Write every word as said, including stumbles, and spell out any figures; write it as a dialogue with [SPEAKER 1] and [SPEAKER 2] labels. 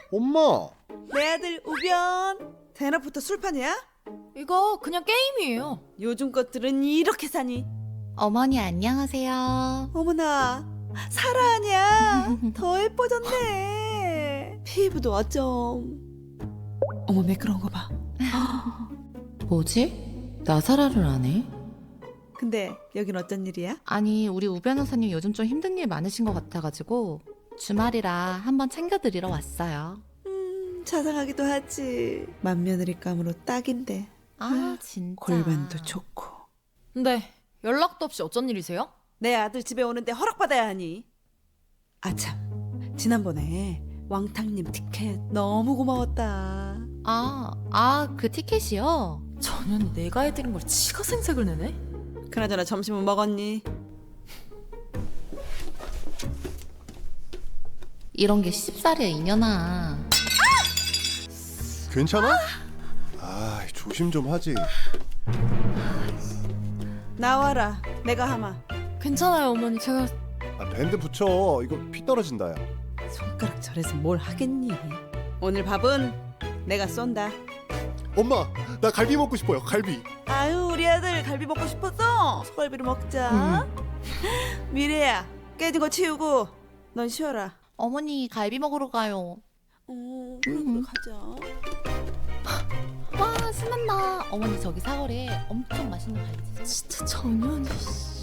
[SPEAKER 1] 엄마!
[SPEAKER 2] 내 아들 우변. 대낮부터 술판이야?
[SPEAKER 3] 이거 그냥 게임이에요.
[SPEAKER 2] 요즘 것들은 이렇게 사니?
[SPEAKER 4] 어머니 안녕하세요.
[SPEAKER 2] 어머나, 사라 아니야? 더 예뻐졌네. 피부도 어쩜. 어머, 매끄러운 거 봐.
[SPEAKER 4] 뭐지? 나사라를 안 해?
[SPEAKER 2] 근데 여긴 어쩐 일이야?
[SPEAKER 4] 아니 우리 우 변호사님 요즘 좀 힘든 일 많으신 것 같아가지고 주말이라 한번 챙겨드리러 왔어요.
[SPEAKER 2] 음, 자상하기도 하지. 맏며느리감으로 딱인데.
[SPEAKER 4] 아 진짜.
[SPEAKER 2] 골반도 좋고.
[SPEAKER 3] 근데 연락도 없이 어쩐 일이세요?
[SPEAKER 2] 내 아들 집에 오는데 허락받아야 하니. 아참, 지난번에 왕탕님 티켓 너무 고마웠다.
[SPEAKER 4] 아, 아 그 티켓이요?
[SPEAKER 3] 전현 내가 해드린 걸 지가 생색을 내네?
[SPEAKER 2] 그나저나 점심은 먹었니?
[SPEAKER 4] 이런 게 쉽사리야 이년아.
[SPEAKER 1] 괜찮아? 아, 조심 좀 하지.
[SPEAKER 2] 나와라, 내가 하마.
[SPEAKER 3] 괜찮아요 어머니. 제가
[SPEAKER 1] 아, 밴드 붙여. 이거 피 떨어진다, 야.
[SPEAKER 2] 손가락 절에서 뭘 하겠니? 오늘 밥은 내가 쏜다.
[SPEAKER 1] 엄마, 나 갈비 먹고 싶어요, 갈비.
[SPEAKER 2] 아유, 우리 아들 갈비 먹고 싶었어. 소갈비를 먹자. 미래야, 깨진 거 치우고 넌 쉬어라.
[SPEAKER 4] 어머니 갈비 먹으러 가요.
[SPEAKER 2] 어, 그래 그래 가자.
[SPEAKER 4] 와 신난다. 어머니 저기 사거리에 엄청 맛있는 갈비 있어요.
[SPEAKER 3] 진짜 전현이 씨.